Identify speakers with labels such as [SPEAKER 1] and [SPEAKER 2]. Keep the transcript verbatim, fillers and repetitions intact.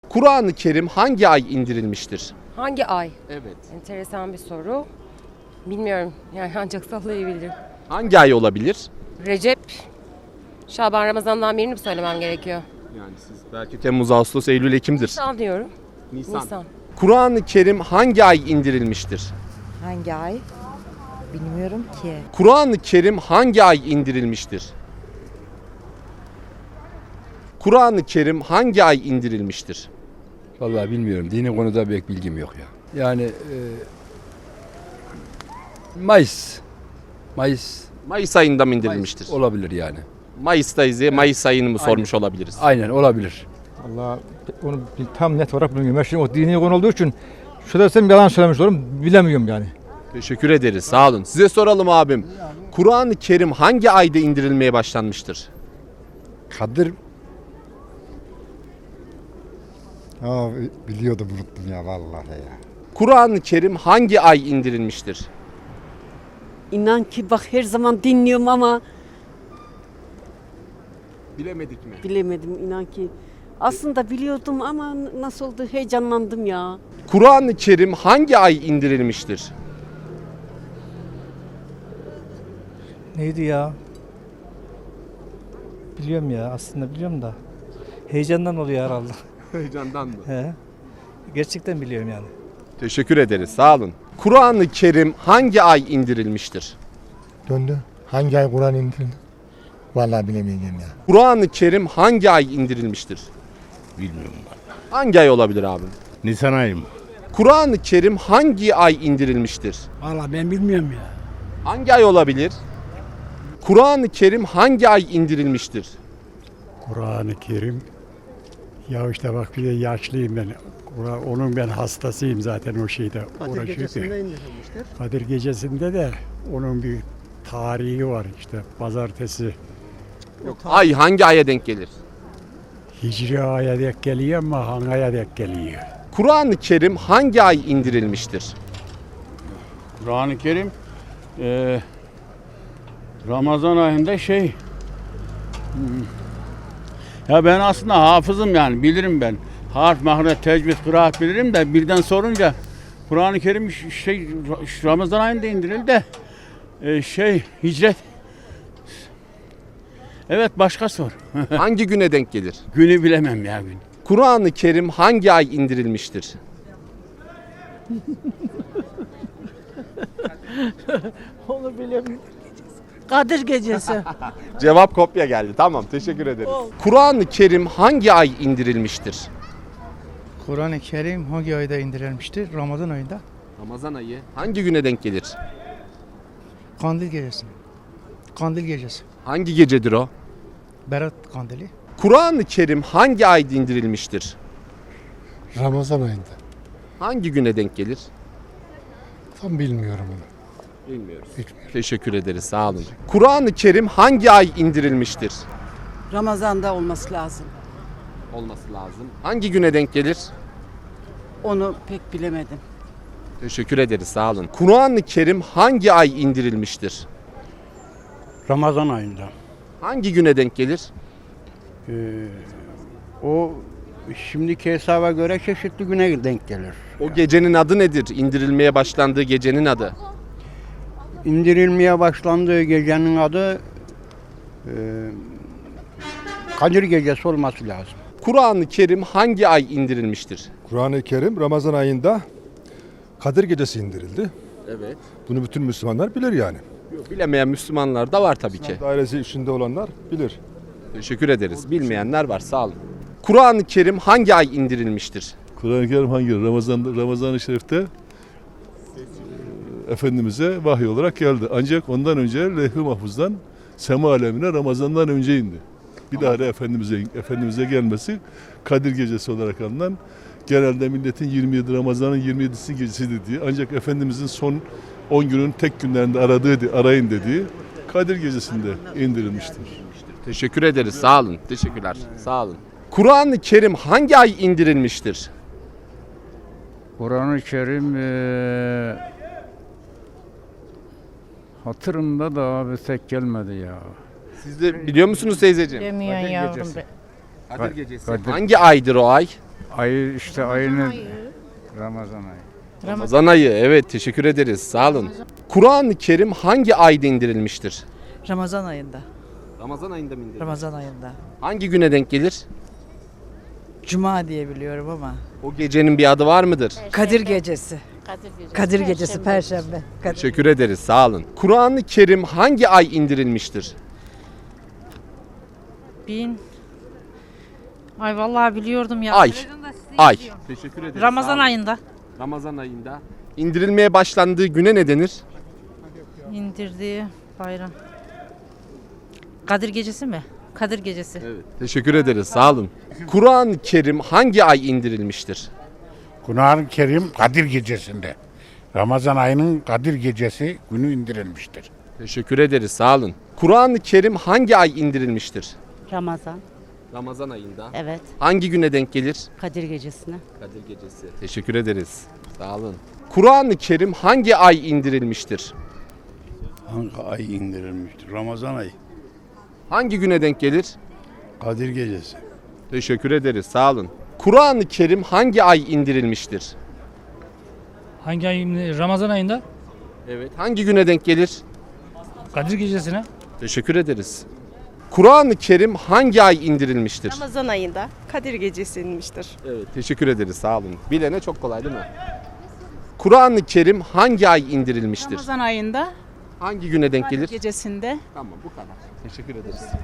[SPEAKER 1] Kur'an-ı Kerim hangi ay indirilmiştir?
[SPEAKER 2] Hangi ay?
[SPEAKER 1] Evet.
[SPEAKER 2] Enteresan bir soru. Bilmiyorum. Yani ancak sallayabilirim.
[SPEAKER 1] Hangi ay olabilir?
[SPEAKER 2] Recep, Şaban, Ramazan'dan birini mi söylemem gerekiyor?
[SPEAKER 1] Yani siz belki Temmuz, Ağustos, Eylül, Ekim'dir.
[SPEAKER 2] Nisan diyorum.
[SPEAKER 1] Nisan.
[SPEAKER 2] Nisan.
[SPEAKER 1] Kur'an-ı Kerim hangi ay indirilmiştir?
[SPEAKER 3] Hangi ay? Bilmiyorum ki.
[SPEAKER 1] Kur'an-ı Kerim hangi ay indirilmiştir? Kur'an-ı Kerim hangi ay indirilmiştir?
[SPEAKER 4] Vallahi bilmiyorum. Dini konuda pek bilgim yok ya. Yani e, Mayıs. Mayıs.
[SPEAKER 1] Mayıs ayında mı indirilmiştir?
[SPEAKER 4] Mayıs olabilir yani.
[SPEAKER 1] Mayıs'tayız ya, Mayıs ayını mı sormuş olabiliriz?
[SPEAKER 4] Aynen olabilir.
[SPEAKER 5] Allah onu tam net olarak bilmiyorum. Ben şimdi o dini konu olduğu için şurada desem yalan söylemiş olurum. Bilemiyorum yani.
[SPEAKER 1] Teşekkür ederiz. Sağ olun. Size soralım abim. Kur'an-ı Kerim hangi ayda indirilmeye başlanmıştır?
[SPEAKER 6] Kadir... Aa, biliyordum unuttum ya vallahi ya.
[SPEAKER 1] Kur'an-ı Kerim hangi ay indirilmiştir?
[SPEAKER 7] İnan ki bak her zaman dinliyorum ama
[SPEAKER 1] Bilemedik mi?
[SPEAKER 7] bilemedim inan ki. Aslında biliyordum ama nasıl oldu heyecanlandım ya.
[SPEAKER 1] Kur'an-ı Kerim hangi ay indirilmiştir?
[SPEAKER 8] Neydi ya? Biliyorum ya aslında biliyorum da. Heyecandan oluyor herhalde.
[SPEAKER 1] Heyecandan mı?
[SPEAKER 8] He. Gerçekten biliyorum yani.
[SPEAKER 1] Teşekkür ederiz. Sağ olun. Kur'an-ı Kerim hangi ay indirilmiştir?
[SPEAKER 6] Döndü. Hangi ay Kur'an indirildi? Vallahi bilemeyeceğim ya.
[SPEAKER 1] Kur'an-ı Kerim hangi ay indirilmiştir?
[SPEAKER 9] Bilmiyorum.
[SPEAKER 1] Hangi ay olabilir abi?
[SPEAKER 9] Nisan ayı mı?
[SPEAKER 1] Kur'an-ı Kerim hangi ay indirilmiştir?
[SPEAKER 9] Valla ben bilmiyorum ya.
[SPEAKER 1] Hangi ay olabilir? Kur'an-ı Kerim hangi ay indirilmiştir?
[SPEAKER 9] Kur'an-ı Kerim. Ya işte bak bir de yaşlıyım ben. Kur'an- Onun ben hastasıyım zaten o şeyde. Kadir Gecesi'nde indirilmiştir. Kadir Gecesi'nde de onun bir tarihi var işte pazartesi.
[SPEAKER 1] Ay hangi aya denk gelir?
[SPEAKER 9] Hicri aya denk geliyor ama hangi aya denk geliyor?
[SPEAKER 1] Kur'an-ı Kerim hangi ay indirilmiştir?
[SPEAKER 10] Kur'an-ı Kerim e, Ramazan ayında şey hmm, ya ben aslında hafızım yani bilirim ben. Harf, mahret, tecvid, kıraat bilirim de birden sorunca Kur'an-ı Kerim şey Ramazan ayında indirildi de e, şey hicret. Evet başka sor.
[SPEAKER 1] Hangi güne denk gelir?
[SPEAKER 10] Günü bilemem ya gün.
[SPEAKER 1] Kur'an-ı Kerim hangi ay indirilmiştir?
[SPEAKER 3] Onu bilemiyorum. Kadir Gecesi.
[SPEAKER 1] Cevap kopya geldi. Tamam, teşekkür ederiz. Kur'an-ı Kerim hangi ay indirilmiştir?
[SPEAKER 8] Kur'an-ı Kerim hangi ayda indirilmiştir? Ramazan ayında.
[SPEAKER 1] Ramazan ayı. Hangi güne denk gelir?
[SPEAKER 8] Kandil Gecesi. Kandil Gecesi.
[SPEAKER 1] Hangi gecedir o?
[SPEAKER 8] Berat Kandili.
[SPEAKER 1] Kur'an-ı Kerim hangi ayda indirilmiştir?
[SPEAKER 6] Ramazan ayında.
[SPEAKER 1] Hangi güne denk gelir?
[SPEAKER 6] Tam bilmiyorum onu.
[SPEAKER 1] Bilmiyoruz.
[SPEAKER 6] Bilmiyorum.
[SPEAKER 1] Teşekkür ederiz. Sağ olun. Kur'an-ı Kerim hangi ay indirilmiştir?
[SPEAKER 7] Ramazan'da olması lazım.
[SPEAKER 1] Olması lazım. Hangi güne denk gelir?
[SPEAKER 7] Onu pek bilemedim.
[SPEAKER 1] Teşekkür ederiz. Sağ olun. Kur'an-ı Kerim hangi ay indirilmiştir?
[SPEAKER 10] Ramazan ayında.
[SPEAKER 1] Hangi güne denk gelir?
[SPEAKER 10] Ee, o şimdiki hesaba göre çeşitli güne denk gelir.
[SPEAKER 1] O gecenin adı nedir? İndirilmeye başlandığı gecenin adı.
[SPEAKER 10] İndirilmeye başlandığı gecenin adı e, Kadir Gecesi olması lazım.
[SPEAKER 1] Kur'an-ı Kerim hangi ay indirilmiştir?
[SPEAKER 11] Kur'an-ı Kerim Ramazan ayında Kadir Gecesi indirildi.
[SPEAKER 1] Evet.
[SPEAKER 11] Bunu bütün Müslümanlar bilir yani.
[SPEAKER 1] Bilemeyen Müslümanlar da var tabii ki.
[SPEAKER 11] Dairesi içinde olanlar bilir.
[SPEAKER 1] Teşekkür ederiz. Bilmeyenler var. Sağ olun. Kur'an-ı Kerim hangi ay indirilmiştir?
[SPEAKER 12] Kur'an-ı Kerim hangi? Ramazan Ramazan-ı Şerif'te e, Efendimiz'e vahiy olarak geldi. Ancak ondan önce Levh-i Mahfuz'dan sema alemine Ramazan'dan önce indi. Bir daha da Efendimiz'e Efendimiz'e gelmesi Kadir Gecesi olarak anılan, genelde milletin yirmi yedi Ramazan'ın yirmi yedisi gecesi dediği, ancak Efendimiz'in son on günün tek günlerinde aradığı, arayın dediği Kadir Gecesi'nde indirilmiştir.
[SPEAKER 1] Teşekkür ederiz. Sağ olun. Teşekkürler. Sağ olun. Kur'an-ı Kerim hangi ay indirilmiştir?
[SPEAKER 10] Kur'an-ı Kerim e, hatırımda da abi tek gelmedi ya.
[SPEAKER 1] Siz de biliyor musunuz teyzeciğim?
[SPEAKER 3] Demiyorsun yavrum be.
[SPEAKER 1] Kadir Gecesi.
[SPEAKER 10] Kadir-
[SPEAKER 1] Hangi aydır o ay?
[SPEAKER 5] Ayı işte ayının Ramazan ayı.
[SPEAKER 1] Ramazan ayı. Evet, teşekkür ederiz. Sağ olun. Kur'an-ı Kerim hangi ayda indirilmiştir?
[SPEAKER 3] Ramazan ayında.
[SPEAKER 1] Ramazan ayında mı indirilmiştir?
[SPEAKER 3] Ramazan ayında.
[SPEAKER 1] Hangi güne denk gelir?
[SPEAKER 3] Cuma diye biliyorum ama.
[SPEAKER 1] O gecenin bir adı var mıdır?
[SPEAKER 3] Kadir gecesi. Kadir gecesi Perşembe. Kadir.
[SPEAKER 1] Teşekkür ederiz. Sağ olun. Kur'an-ı Kerim hangi ay indirilmiştir?
[SPEAKER 2] Bin. Ay vallahi biliyordum ya.
[SPEAKER 1] Ay. Ay. Teşekkür ederiz.
[SPEAKER 2] Ramazan ayında
[SPEAKER 1] Ramazan ayında. İndirilmeye başlandığı güne ne denir?
[SPEAKER 2] indirdiği bayram. Kadir gecesi mi? Kadir gecesi.
[SPEAKER 1] Evet. Teşekkür ederiz. Sağ olun. Kur'an-ı Kerim hangi ay indirilmiştir?
[SPEAKER 9] Kur'an-ı Kerim Kadir Gecesi'nde. Ramazan ayının Kadir Gecesi günü indirilmiştir.
[SPEAKER 1] Teşekkür ederiz. Sağ olun. Kur'an-ı Kerim hangi ay indirilmiştir?
[SPEAKER 7] Ramazan.
[SPEAKER 1] Ramazan ayında.
[SPEAKER 7] Evet.
[SPEAKER 1] Hangi güne denk gelir?
[SPEAKER 7] Kadir gecesine.
[SPEAKER 1] Kadir Gecesi. Teşekkür ederiz. Sağ olun. Kur'an-ı Kerim hangi ay indirilmiştir?
[SPEAKER 10] Hangi ay indirilmiştir? Ramazan ayı.
[SPEAKER 1] Hangi güne denk gelir?
[SPEAKER 10] Kadir Gecesi.
[SPEAKER 1] Teşekkür ederiz. Sağ olun. Kur'an-ı Kerim hangi ay indirilmiştir?
[SPEAKER 5] Hangi ay? Ramazan ayında
[SPEAKER 1] Evet. Hangi güne denk gelir?
[SPEAKER 5] Kadir gecesine.
[SPEAKER 1] Teşekkür ederiz. Kur'an-ı Kerim hangi ay indirilmiştir?
[SPEAKER 7] Ramazan ayında Kadir gecesi inmiştir.
[SPEAKER 1] Evet. Teşekkür ederiz. Sağ olun. Bilene çok kolay değil mi? Kur'an-ı Kerim hangi ay indirilmiştir?
[SPEAKER 3] ayında
[SPEAKER 1] Hangi güne denk gelir?
[SPEAKER 3] gecesinde.
[SPEAKER 1] Tamam, bu kadar. Teşekkür ederiz.